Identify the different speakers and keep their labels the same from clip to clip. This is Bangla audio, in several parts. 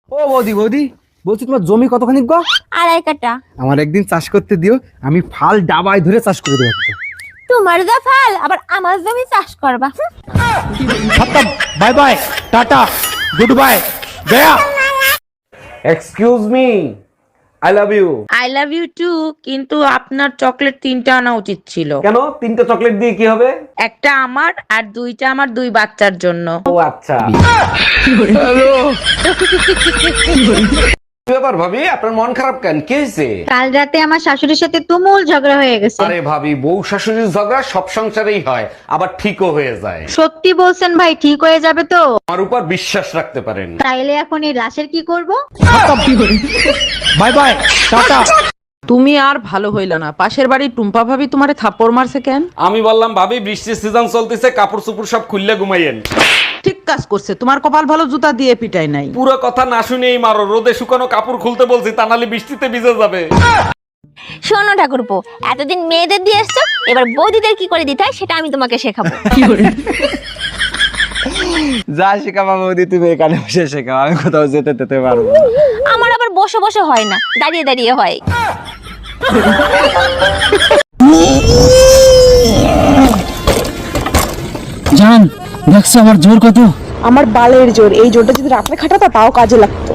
Speaker 1: ও বৌদি বৌদি, বলছি তোমার জমি কতখানি গো?
Speaker 2: 2.5 কাঠা।
Speaker 1: আমার একদিন চাষ করতে দিও, আমি ফাল ডাবায় ধরে চাষ করে দেবো।
Speaker 2: তোমার যা ফাল আবার আমার জমি চাষ করবা।
Speaker 1: খতম, bye bye, tata, goodbye, গয়া।
Speaker 3: Excuse me, I love you.
Speaker 4: I love you too, কিন্তু আপনার চকলেট 3টা আনা উচিত ছিল।
Speaker 3: কেন 3টা চকলেট দিয়ে কি হবে?
Speaker 4: একটা আমার আর 2টা আমার 2 বাচ্চার জন্য।
Speaker 3: ও আচ্ছা। কি ব্যাপার ভাবি, আপনার মন খারাপ কেন? কি হয়েছে?
Speaker 5: কাল রাতে আমার শাশুড়ির সাথে তুমুল ঝগড়া হয়ে গেছে।
Speaker 3: আরে ভাবি, বউ শাশুড়ির ঝগড়া সব সংসারেই হয়, আবার ঠিকও হয়ে যায়।
Speaker 5: সত্যি বলছেন ভাই, ঠিক হয়ে যাবে তো?
Speaker 3: আমার উপর বিশ্বাস রাখতে পারেন।
Speaker 5: তাইলে এখন এই লাশের কি করব?
Speaker 1: Bye bye, tata.
Speaker 4: তুমি আর ভালো হইলা না। পাশের বাড়ির টুম্পা ভাবি তোমারে থাপ্পড় মারছে কেন?
Speaker 3: আমি বললাম ভাবি বৃষ্টির সিজন চলতেছে, কাপড় চোপড় সব খুললে ঘুমাইয়েন।
Speaker 4: ঠিক কাজ করছে, তোমার কপাল ভালো জুতা দিয়ে পিটাই নাই।
Speaker 3: পুরো কথা না শুনেই মারো, রোদে শুকানো কাপড় খুলতে বলছি, তা নাহলে বৃষ্টিতে ভিজে যাবে।
Speaker 2: শোনো ঠাকুরপো, এতদিন মেয়েদের দিয়ে এসছো, এবার বৌদিদের কি করে দিতে হয় সেটা আমি তোমাকে শেখাবো।
Speaker 1: যা শেখাবা বৌদি তুমি এখানে বসে শেখাও, আমি কোথাও যেতে পারবো না।
Speaker 2: আমার আবার বসে বসে হয় না, দাঁড়িয়ে দাঁড়িয়ে হয়।
Speaker 6: জান, দেখছো আমার জোর কত?
Speaker 7: আমার বালের জোর, এই জোরটা যদি রাত্রে খাটাতো তাও কাজে লাগতো।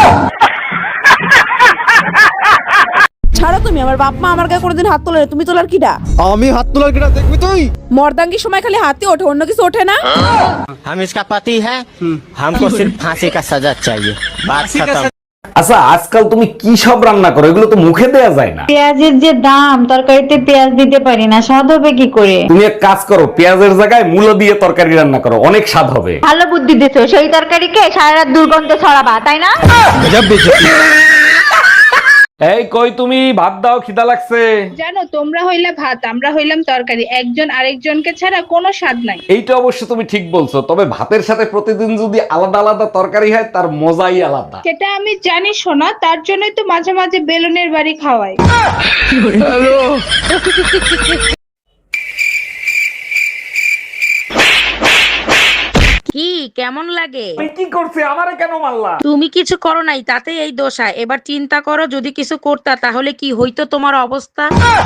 Speaker 7: ছাড়ো তুমি, আমার বাপ মা আমার গায়ে কোনোদিন হাত তোলে না, তুমি তোলার কিডা?
Speaker 1: আমি হাত তোলার কিনা দেখবি তুই?
Speaker 7: মর্দাঙ্গির সময় খালি হাতে ওঠে, অন্য কিছু ওঠে না।
Speaker 6: हम इसका पति है, हमको सिर्फ फांसी का सजा चाहिए, बात खत्म।
Speaker 3: আচ্ছা, আজকাল তুমি কি সব রান্না করো? এগুলো তো মুখে দেয়া যায় না।
Speaker 5: পেঁয়াজের যে দাম, তরকারিতে পেঁয়াজ দিতে পারি না, স্বাদ হবে কি করে?
Speaker 3: তুমি এক কাজ করো, পেঁয়াজের জায়গায় মূলো দিয়ে তরকারি রান্না করো, অনেক স্বাদ হবে।
Speaker 5: ভালো বুদ্ধি দিছো, সেই তরকারিকে সারা রাত দুর্গন্ধ ছড়াবা, তাই না?
Speaker 3: এই কই তুমি, ভাত দাও, খিদা লাগছে।
Speaker 8: জানো, তোমরা হইলা ভাত, আমরা হইলাম তরকারি, একজন আরেকজনকে ছাড়া কোনো স্বাদ নাই।
Speaker 3: এইটা অবশ্য তুমি ঠিক বলছো, তবে ভাতের সাথে প্রতিদিন যদি আলাদা আলাদা তরকারি হয় তার মজাই আলাদা।
Speaker 8: সেটা আমি জানি শোনা, তার জন্যই তো মাঝে মাঝে বেলুনের বাড়ি খাওয়াই।
Speaker 4: কি কেমন লাগে?
Speaker 3: আমি কি করছি, আমারে কেন মারলা?
Speaker 4: তুমি কিছু করো নাই, তাতে এই দোষা। এবার চিন্তা করো, যদি কিছু করতা তাহলে কি হইতো তোমার অবস্থা?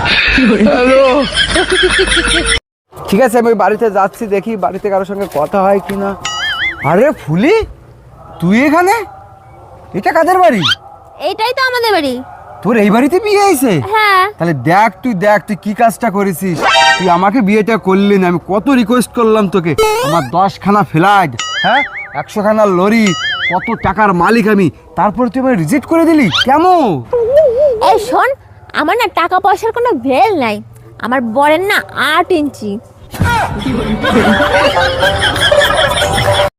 Speaker 1: ঠিক আছে, আমি বাড়িতে যাচ্ছি, দেখি বাড়িতে কারোর সঙ্গে কথা হয় কিনা। আরে ফুলি, তুই এখানে? এটা কাদের বাড়ি?
Speaker 2: এইটাই তো আমাদের বাড়ি।
Speaker 1: তোর এই বাড়িতে বিয়ে হয়েছে?
Speaker 2: হ্যাঁ।
Speaker 1: তাহলে দেখ তুই কি কাজটা করেছিস। তুই আমাকে বিয়েটা করলি না, আমি কত রিকোয়েস্ট করলাম তোকে। আমার 10খানা ফ্ল্যাট, হ্যাঁ 100খানা লরি, কত টাকার মালিক আমি, তারপর তুই আমাকে রিজেক্ট করে দিলি কেমন?
Speaker 2: এই শোন, আমার না টাকা পয়সার কোনো ভেল নাই, আমার বরের না 8 ইঞ্চি।